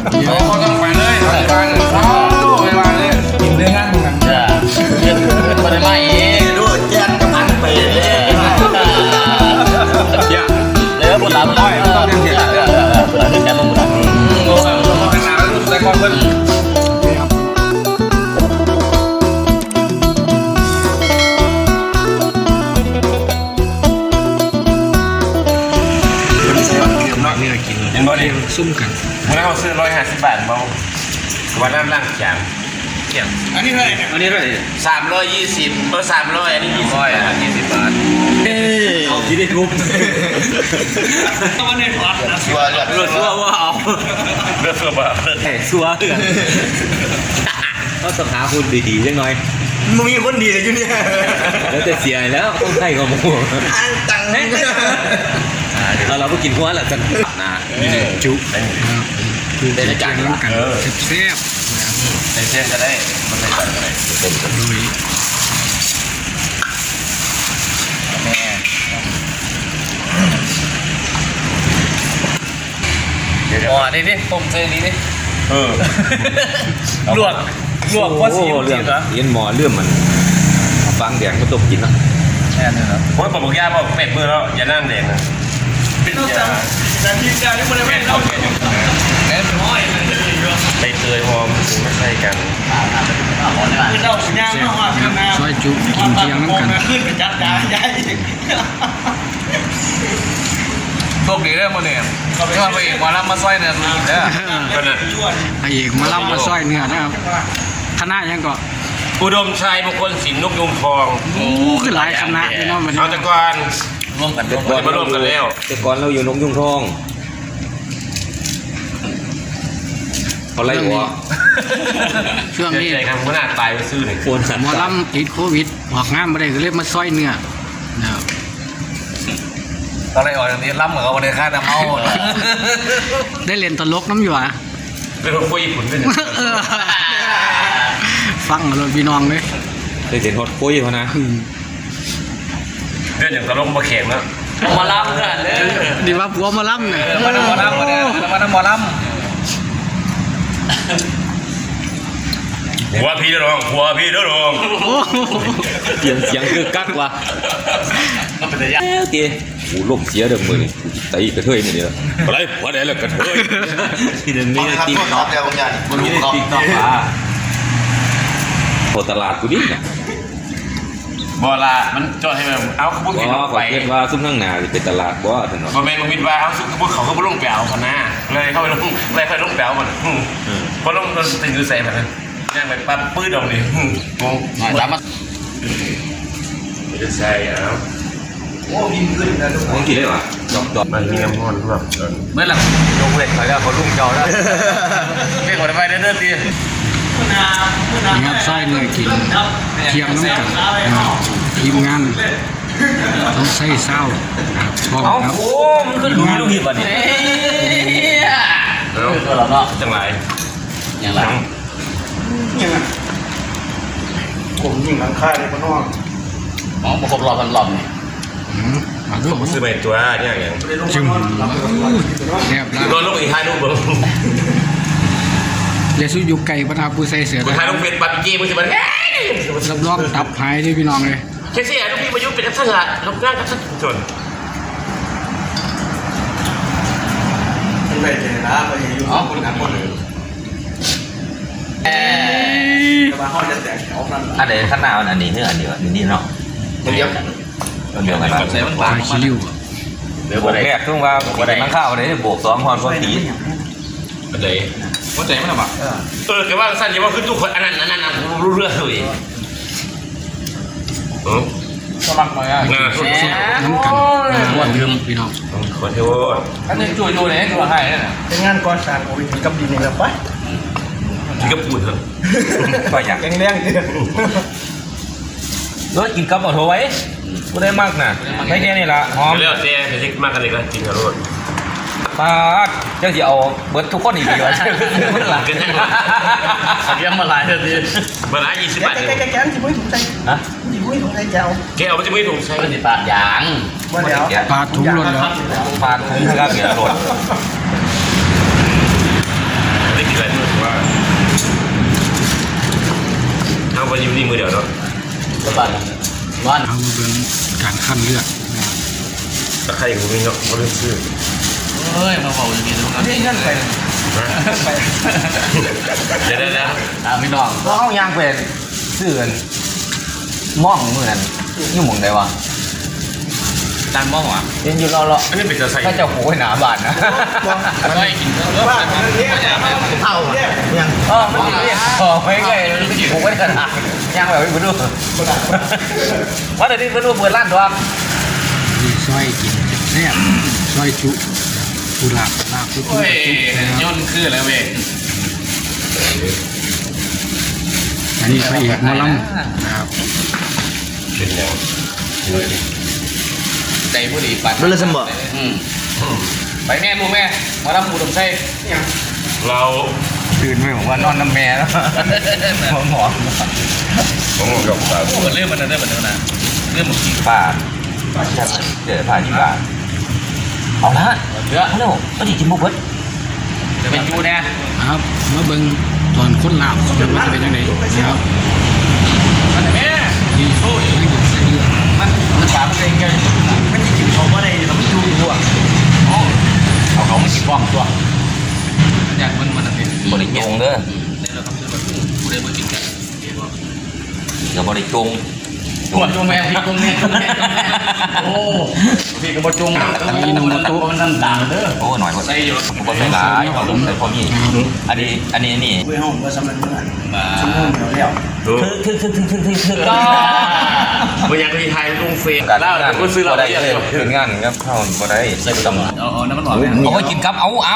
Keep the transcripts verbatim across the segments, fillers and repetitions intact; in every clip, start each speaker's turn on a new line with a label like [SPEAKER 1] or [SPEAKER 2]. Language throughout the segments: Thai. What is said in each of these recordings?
[SPEAKER 1] โอ้ต้องไปเลยไปบ้านเขาไปบ้านเลยกินเนื้องานตรงนั้นจ้ะไปได้ไหมดูแจ้งกำลังไปเลยเนี่ยเลยว่าบุญหลานบุญหลานต้องเรียนเสียบุญหลานแจ้งบุญหลานโอ้ยต้องเป็นน้ำแต่ก่อนเพิ่นเห็นบ่ดิซุ่มกันวันนั้นเขาซื้อร้อยห้าสิบบาทเบาวันนั้นร่างจางเกี่ยงอันนี้เท่าไหร่เนี่ยอันนี้เท่าไหร่สามร้อยยี่สิบเออสามร้อยอันนี้ยี่สิบร้อยอ่ะยี่สิบบาทเอ้เอาที่ได้ทุบต้องมาเน้นวัดนะชัวร์เลือดชัวร์ว่าเอาเลือดชัวร์แบบเฮ้ยชัวร์ก็ต้องหาคนดีๆจังหน่อยมึงมีคนดีเลยอยู่เนี่ยแล้วแต่เสียแล้วต้องให้กับมึงอันตังเราเราไปกินหัวแหละจันนะจุคือเป็นจานน้ำกันแซ่บๆเป็นเส้นจะได้มันไม่ตัดอะไรเป็นกันลุยแม่อ๋อนี่นี่ต้มเส้นนี้นี่เออลวกลวกเพราะสีมันเหรอเย็นหมอเลื่อมมันฟางแดงก็ต้มกินนะแค่นั้นเหรอโอ้ยบอกย่าบอกเป็ดมือแล้วอย่านั่งแดงนะเป็นยาแต่ที่ยาที่มันไม่เท่ากันแค่น้อยไปเตยหอมไม่ใช่กันคือเราสัญญาณว่าพี่นาช่วยจุกินเที่ยงน้ำกันขึ้นเป็นจัดยาใหญ่โชคดีเรื่องมันเนี่ยที่มาไปเอกมาล่ำมาสร้อยเนื้อมีเด้อไปเอกมาล่ำมาสร้อยเนื้อนะครับคณะยังก็อุดมชัยมงคลศิลป์นกยูงทองโอ้คือหลายคณะพี่น้องมันเอาแต่ก่อนร่วมกันร่วมกันมาร่วมกันแล้วแต่ก่อนเราอยู่นกยูงทองเขาไล่หัวช่วงนี้ใจกันขนาดตายไปซื้อหนึ่งคนหมอลำติดโควิดออกงานมาได้ก็เลยมาซอยเนื้อตอนแรกออกอย่างนี้ล้ำเหมือนกับวันเดียค่าน้ำเมาได้เรียนตลกน้ำอยู่อ่ะเป็นคนคุยญี่ปุ่นด้วยฟังเลยพี่น้องเลยได้เรียนฮอตคุยเขานะเรื่องอย่างตลกมาแข่งแล้วมาล้ำกันเลยดีว่าผัวมาล้ำเนี่ยมาล้ำมาล้ำมาเนี่ยมาล้ำมาล้ำหัวพี่เด้อน้องหัวพี่เด้อน้องเสียงเสียงคือกักว่ะเอ้าตีกูล่มเสียเด้อมือนี่ตีกระเทยนี่เด้ออะไรหัวไหนล่ะกระเทยที่เดินมีติ๊กต็อกแล้วบางอย่างมันมีติ๊กต็อกอ่ะพอตลาดกูดิบ่ละมันจอดให้มันเอาขบวนรถไฟเรียกว่าซุ้มข้างหน้าเป็นตลาดบ่ถนนบ่แม่นบ่มิดว่าเอาซุ้มขบวนเขาก็บ่ลงแปวเขาหน้าเลยเข้าไปลงเลยค่อยลงแปวมันพอลงรถติดอยู่ใส่แบบนั้นย่างไปปั๊บปื้ดออกนี่งงสามารถไม่ได้ใส่เอาโอ้ยิงขึ้นนะทุกคนกี่ได้หรอดอกดอกมันมีน้ำมันแบบเมื่อหลังลงเวทเขาแล้วเขาลุ่มเก่าแล้วเรียกว่าไปเรื่อยๆตีนะครับไส้เนื้อกินเทียมน้ำกันทีมงานต้องใส่เศร้าชอบครับโอ้มันขึ้นดูดูหิบอ่ะนี่แล้วเราเนาะจังไรอย่างไรผมยิงหลังค่ายเลยพ่อน้องอ๋อมาครบรอบพันรอบนี่ผมซื้อไปตัวเนี่ยอย่างจึงแอบแล้วโดนลูกอีกท้ายลูกเบิ้งเลสุยุไก่ปนาปูใส่เสือท้ายลูกเป็นปัดจีมันจะมันรับรองตับหายที่พี่น้องเลยเช่นเสียลูกพี่มายุเป็นทักษะลูกง่ายทักษะจนไม่เจอนะไปอยู่อ๋อคุณครับคนเอ๊ะมาห้องจะแตกแถวนั่นอันไหนข้างหน้าอันนี้เนื้ออันนี้อันนี้เนาะเดียวกันเดียวกันใส่มันหวานขี้ริ้วเดี๋ยวบอกแรกทุ่งว่าบอกได้ข้าวอะไรบวกสองหอนพอดีอะไรว่าใจมันหรอปะเออแกว่าสั้นยังว่าขึ้นทุกคนอันนั้นอันนั้นรู้เรื่องเลยเออสมัครมาอ่ะน้ำกันวันลืมพี่น้องคนที่ว่าอันนี้จุยจุยเนี่ยตัวให้เนี่ยเป็นงานก่อสร้างโอ้ยกับดินเนี่ยไปที่กับปูนเหรอก็อยากแรงแรงเดียวรถกินกับเอาโถไว้ก็ได้มากนะไม่แค่นี้ละหอมเรียกเจ๊เจ๊มากกันเลยก็กินกับรถป้าเจ้าจะเอาเบิร์ดทุกคนอีกดีวะมันหลังกันยังเกี่ยมมาหลายเท่านี้มาหลายยี่สิบบาทแกแกแกจะไม่ถูกใจฮะจะไม่ถูกใจเจ้าแกเอาไม่จะไม่ถูกใจมันจะปาดยางปาดถุงรถแล้วปาดถุงทั้งกระเบียร์รถ
[SPEAKER 2] วัน
[SPEAKER 3] เอามาเบิ่งการขั้นเลือดนะครับ
[SPEAKER 1] ตะไคร้กูมีเนาะเขาเรียกชื่อ
[SPEAKER 2] เฮ้ยมาบอกอย่างนี้ทุกคนนี่นั่นไปไป
[SPEAKER 1] เดี๋ยวนะ
[SPEAKER 2] ตามพี่น้อง
[SPEAKER 4] ก็เขาย่างเป็นเสื่อนมองเหมือนอยู่หมุงใดวะ
[SPEAKER 2] ด้านบ้องวะ
[SPEAKER 4] ยังอยู่รอรอ
[SPEAKER 1] อันนี้เป็นตะไคร้
[SPEAKER 4] ถ้าจะโหยหนาบานนะ
[SPEAKER 2] ก็ให้กินเยอะบ้านนี้
[SPEAKER 4] เท่ายังเออมันเรียกพอไม่ไงโหยขนาดย่างแบบไม่รู้ว่าแต่นี่ไม่รู้เปิดร้านตัว
[SPEAKER 3] มีซอยกินแซ่บซอยจุกุหลาบลาบจุกุ
[SPEAKER 2] โอ้ย
[SPEAKER 3] นะครับ
[SPEAKER 2] ย่นคือแล้วเว้ย
[SPEAKER 3] อันนี้พระเอกหมอลำนะครับ
[SPEAKER 1] เป็นยัง
[SPEAKER 2] ใจผู้ดีปัด
[SPEAKER 4] รู้เลยสมบัติ
[SPEAKER 2] อืมไปแม่ลูกแม่มารับหมูดมไส้
[SPEAKER 1] เรา
[SPEAKER 4] ตื่นไปผมว่านอนน้ำแม่แล้วหมอหมอ
[SPEAKER 1] ต้องลงกับตา
[SPEAKER 2] พูดเรื่องมันเรื่องมันเรื่องนะเรื่องมันกี่
[SPEAKER 4] ป่าเจอผ่าที่บ้านเอาละ
[SPEAKER 2] เยอะ
[SPEAKER 4] ฮัลโหลก็ดีกินบุกเบิร์ด
[SPEAKER 2] จะเป็นจูเนี่ย
[SPEAKER 3] ครับมาเบิ่งตอนคนลาบจะว่าจะเป็นยังไงนะครับ
[SPEAKER 2] มันแม่
[SPEAKER 3] นี่โอ้ยไม่หยุดเส้นเลือด
[SPEAKER 2] มันมันฉามันเองไงมันจะกินเขาว่าอะไรเราไม่ดูตัวเอาเขาไม่กินบ้องตัวอยากมันมันเป็น
[SPEAKER 4] บริจงเด้อ
[SPEAKER 2] เนี่ยเราต้องซื้อแบบกูเลยมากินกัน
[SPEAKER 4] เดี๋ยวบริจง
[SPEAKER 2] จงจงแม่พี่จงแม่จงแม่โอ้พี่ก็บ่จงนี่น้ำมันมันนั่นด่างเด้อ
[SPEAKER 4] โอ้หน่อย
[SPEAKER 2] ใส่อยู่
[SPEAKER 4] ผมก็ใส่หลายผมใส่พอมีอันนี้อันนี้นี่
[SPEAKER 2] มา
[SPEAKER 4] คือคือคือคือคือคือก็
[SPEAKER 1] บางอย่างที่ไทยลงเฟซ
[SPEAKER 4] การ
[SPEAKER 1] แล้วแต่ก็ซื้อเรา
[SPEAKER 4] ได้
[SPEAKER 1] เยอะ
[SPEAKER 4] เลยถึงงานครับเข้าบ่ได้ใส่ตำ
[SPEAKER 2] เอาเอาน้ำมันหวานเนี่ย
[SPEAKER 4] เอาไว้กินกับเอาเอา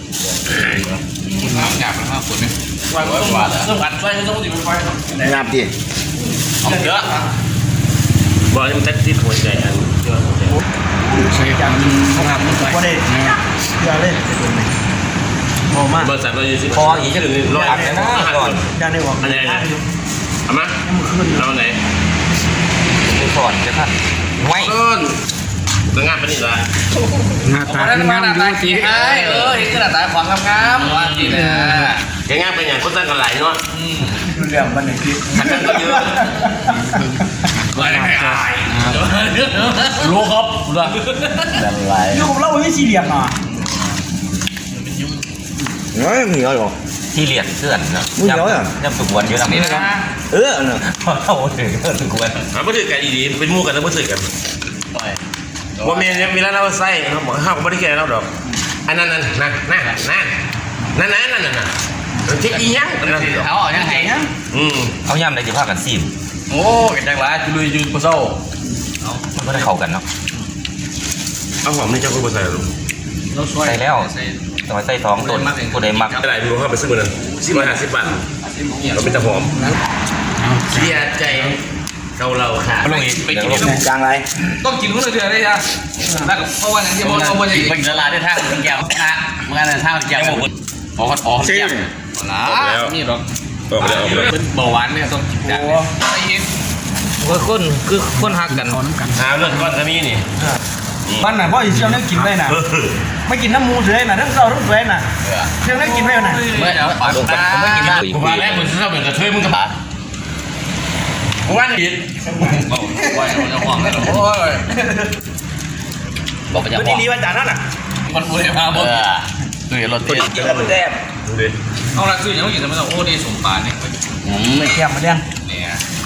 [SPEAKER 2] น้ำหยาบนะครับฝนเนี่ยว่าว่าว่าต้องผัดไฟต้องติดไฟ
[SPEAKER 4] งามดิ
[SPEAKER 2] เอาเยอะ
[SPEAKER 1] บอกให้มันแท็กซี่หัวใจอันเยอะ
[SPEAKER 3] ใส่ความลาบลงไปนะครับ
[SPEAKER 5] อย่าเล่นโอ้มาก
[SPEAKER 1] บริษัทเราอยู่ที่
[SPEAKER 4] พออีกจะหรือรออัดนะก่อน
[SPEAKER 5] อย่าได้บอก
[SPEAKER 1] อันไหนเอามาเราไหน
[SPEAKER 4] จะสอนจะท่านไว้
[SPEAKER 1] ต้นแล้วงานเป็นอีกละ
[SPEAKER 3] หน้าตา
[SPEAKER 2] นั่น
[SPEAKER 3] คือ
[SPEAKER 2] มาหน้า
[SPEAKER 3] น้ำ
[SPEAKER 2] ตา
[SPEAKER 3] ดู
[SPEAKER 2] ขี้
[SPEAKER 3] สิ
[SPEAKER 2] ไอ้เออเห็นขนาดตาขวางงามๆว่าจริงนะ
[SPEAKER 1] แกงานเป็นอย่างก็ตั้งกันหลายเนาะ
[SPEAKER 5] ดูเรื่องมันหนึ่งคลิป
[SPEAKER 1] ขันกันก็เยอะ
[SPEAKER 2] ไม่ได้ไม่อายรู้ครับรู้
[SPEAKER 4] อะไร
[SPEAKER 5] อยู่กับเราไม่สี่เหลี่ยมอ่ะ
[SPEAKER 4] น้อยมีอะไรหรอที่เลียดเสื่อนนะยับยับสุกวันเยอะ
[SPEAKER 2] นี่
[SPEAKER 4] นะ
[SPEAKER 2] นะ
[SPEAKER 4] เออเนอะเอาถึงสุกวัน
[SPEAKER 1] หาไม่ถือกันดีๆเป็นมู่กันแล้วไม่ถือกัน
[SPEAKER 2] ต่อย
[SPEAKER 1] ว่ามีมีแล้วเราใส่เขาบอกห้าวไม่ได้แก่เราดอกอันนั้นนั่นนั่นนั่นนั่นนั่นนั่นนั่นนั่นเช็คอีหยังนั่น
[SPEAKER 2] เอาออกยังไงนะ
[SPEAKER 1] อืม
[SPEAKER 4] เอาย่ำได้จะพากันซีม
[SPEAKER 2] โอ้กันจังหวะจุลุยยืนปะโซ่
[SPEAKER 4] มันก็ได้เข้ากันเนาะ
[SPEAKER 1] เอาหอมนี่เจ้าก็ไม่ใส่หรอก
[SPEAKER 2] เราช่วย
[SPEAKER 4] ใส่แล้วสมัยใส่ท้องต้นกูได้มัก
[SPEAKER 1] ไม่ได้ดูเข้าไปซื้อมาเลยสิบร้อยห้าสิบบาทเราเป็นตะหอม
[SPEAKER 3] เอา
[SPEAKER 1] เสียใจเกาเราค่ะ
[SPEAKER 4] ลงอีก
[SPEAKER 2] ไปกิน
[SPEAKER 4] จางไร
[SPEAKER 2] ต้องกินคนละเดือนเลยจ้ะแล้วเพราะว่าอย่างที่บอกเราไม่ได้กินละลายได้ทางแก้วนะเมื่อนั้นทางแก้วขอขอขอแก้วนะนี่หรอก
[SPEAKER 1] ออกไปเลยออกไปเลย
[SPEAKER 2] เป็นเบาหวานเนี่ยต้องกินจากไอ้ยิน
[SPEAKER 4] คือคนคือคนหักกัน
[SPEAKER 3] ขอน้ำกัน
[SPEAKER 1] หาเรื่องก้อนก็มีนี่
[SPEAKER 5] มันน่ะเพราะอีเชียวนั่งกินไว้น่ะไม่กินน้ำมูเฉยน่ะทั้งเศร้าทั้งสวยน่ะเชียวนั่งกินไว้น่ะ
[SPEAKER 2] เมื่อเดี๋ยวปากตาไม่กินได้
[SPEAKER 1] กูว่าแล้วมึงชอบเหมือนกระเทยมึงกระบะกูว่าผิด
[SPEAKER 2] ว่าจะห่วงเลยโอ้ยบอกไปจะ
[SPEAKER 5] มัน
[SPEAKER 2] ห่วง
[SPEAKER 5] ดีๆว่าจานนั้นน่ะ
[SPEAKER 2] มันพูดมาบอกคือรถติด
[SPEAKER 4] กินแล้วมันแซ่บ
[SPEAKER 1] ดูดิ
[SPEAKER 2] เอาละคือยังไม่กินแต่ไม่ต้องโอ้ดีสมปานเนี่ย
[SPEAKER 5] ไม่แก้มมาเลี้ยง
[SPEAKER 2] เนี่ย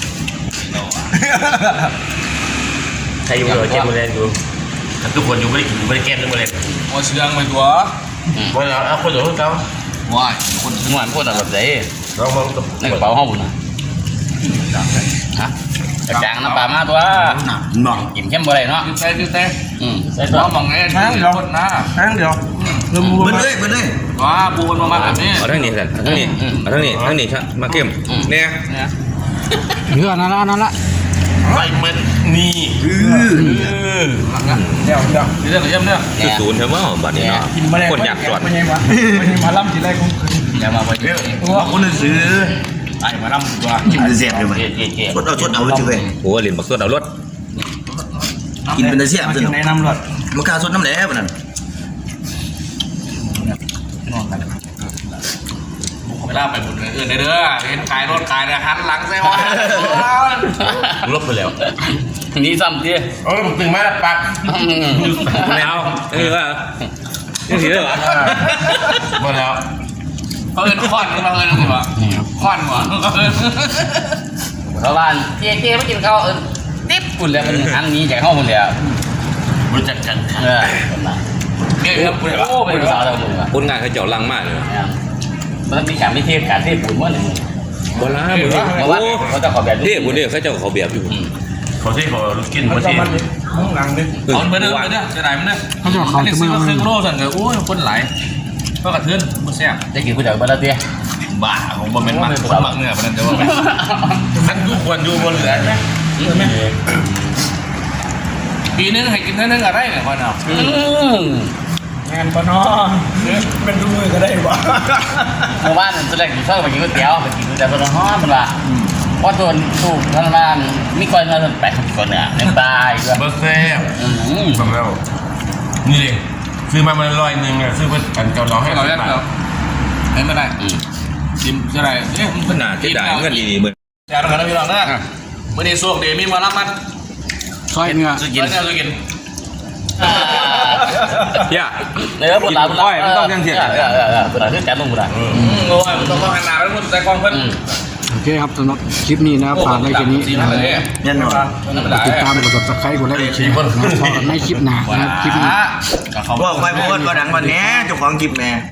[SPEAKER 1] ใครอยู่เลยเจ็บมือแรงอยู่ทุกคนอยู่ไม่ได้กินไม่ได้แก้มทุกมือแรง
[SPEAKER 2] โอ้เชื่องไปตัว
[SPEAKER 1] วันเราเอาคนเดียวเขา
[SPEAKER 2] ว้ายคนถึงวันพูดอะไรแบบไหน
[SPEAKER 1] เรามองกับ
[SPEAKER 2] ในกระเป๋าห้องนะฮะจางน้ำปลามาตัวกินเข้มบ่ได้เนาะใส่ใส่อืมใส่ตัวมองไงทั้งเดียวนะ
[SPEAKER 5] นั่งเดี๋ยวเริ่มมู
[SPEAKER 4] มันเลยมันเลย
[SPEAKER 2] ว้าปูมันมาแบบนี้
[SPEAKER 4] เอาทั้งนี้กันเอาทั้งนี้เอาทั้งนี้ทั้งนี้ครับมาเข้มเนี่ย
[SPEAKER 3] เนื้อนั่นละนั่นละ
[SPEAKER 1] ไปมันนี่
[SPEAKER 5] เดี๋ยวเดี๋ยว
[SPEAKER 2] เรื่องเรื่องเรื่อง
[SPEAKER 4] คือศูนย์ใช่ไหมบัดนี้เนาะ
[SPEAKER 5] กินมาแล้ว
[SPEAKER 4] คนอยากจอด
[SPEAKER 5] ไม่ใช่วะไม่ใช่มาล่ำกินอะไรของคืน
[SPEAKER 2] อย่ามาไปเยอะ
[SPEAKER 5] ว่าคนซื้อ
[SPEAKER 2] ไอ้มาล่ำตัว
[SPEAKER 6] เสียบเลยไหม
[SPEAKER 2] เจ๊เจ๊เจ๊
[SPEAKER 6] ชดเอาชดเอาเลยเว้ย
[SPEAKER 4] โอ้ลินบักสดเอารถ
[SPEAKER 6] กินเป็นเสียบ
[SPEAKER 5] มา
[SPEAKER 6] สิ
[SPEAKER 5] กินในน้ำรด
[SPEAKER 6] มันกล้าชดน้ำแหลมนั่น
[SPEAKER 2] เวลาไปบุญอื่นเด้อเห็นขายรถขายนะหันหลังใส่ว่า
[SPEAKER 1] ลบไปแล้ว
[SPEAKER 2] นี่ซ้ำดิ
[SPEAKER 4] เออตึงมาปาก
[SPEAKER 1] ไม่เอาเออว่ายังถือเหรอ
[SPEAKER 4] หมดแล้ว
[SPEAKER 2] เขาเอินค้อนเขาเอินอะไรวะค้อนวะชาวบ้านเจ๊เจ๊ไม่กินข้าวเอินติ๊บคุณแล้วมันอันนี้จากห้องมันเลยอ่ะ
[SPEAKER 4] รู้จักกัน
[SPEAKER 2] เออเกี่ยวกับโอ้เป็นภาษาเราดูอ่ะ
[SPEAKER 1] คนงานเขาเจ้าลังมากเลย
[SPEAKER 2] มันมีการไม่เทียบการเทียบปุ๋ยมั่วหนึ่ง
[SPEAKER 1] โบราณมึง
[SPEAKER 2] เพราะว่าเขาจะขอแบบ
[SPEAKER 1] เรียกบุเรียกเขาเจ้าเขาเบียบอยู่
[SPEAKER 4] เขาที่เขากิน
[SPEAKER 5] มัน
[SPEAKER 4] เขา
[SPEAKER 5] จะ
[SPEAKER 4] ที่
[SPEAKER 5] มันมึงหลังดิ
[SPEAKER 2] เอาไปเด้อไปเด้อจะไหนมันเด้อ
[SPEAKER 3] เขาจะเอาเขา
[SPEAKER 2] อันนี้
[SPEAKER 3] จะ
[SPEAKER 2] ซื้
[SPEAKER 3] มา
[SPEAKER 2] อมาครึ่งโลสั่งเลยโอ้ยคนไหลก็กระเทือนมันแซ่บจะกินก๋วยเตี๋ยวบ้านละเตี้ย
[SPEAKER 4] บ้าของบอมเมนต์มักคนมักเนื้อปนันเดียวท่านทุกคนอยู่บนเหลือไหม
[SPEAKER 2] ปีนึงให้กินเท่านึงอะไรเนี่ยคนเอา
[SPEAKER 5] งานปะเนาะเป็นดูมือก็ได้บ่
[SPEAKER 2] เมื่อวานแสดงกินข้าวไปกินก๋วยเตี๋ยวไปกินก๋วยเตี๋ยวคนห้องมันว่าเพราะตัวถูกทางบ้านมีคนมาแปดคนเนี่ยในตายด้วย
[SPEAKER 4] เบอร์เซ่บสำแล้วนี่เองซื้อมามันลอยหนึ่งอ่ะซื้อเพื่อกันเจ้าน้องให้
[SPEAKER 2] เราเล่นเราเล่นไม่ได้จิมจะไรเอ๊ะ
[SPEAKER 1] ขนาดที่ได้เงินดีๆมึง
[SPEAKER 2] แย่แล้วกันนะพี่น้องนะเมื่อนี้ส่วงเดมีมารับมัน
[SPEAKER 3] ซอยเนื้อ
[SPEAKER 2] จะกินจะกิน
[SPEAKER 1] เฮีย
[SPEAKER 2] เนื้อปวดหลังปวดหลังเออเออเออปวดหลังที่แจมปวดหลังโอ้ยมันต้องขนาดแล้วมันใจกองเพิ่น
[SPEAKER 3] โอเคครับสำหรับคลิปนี้นะครับฝากไว้แค่นี้นะครับ
[SPEAKER 6] แน่นอน
[SPEAKER 3] ติดตามกด subscribe กดไลค์กดแชร์นะครับพบกันในคลิปหน้านะครับคลิปนี้
[SPEAKER 6] ก็ค่อยพูดก็ดังวันนี้เจ้าของคลิปแม่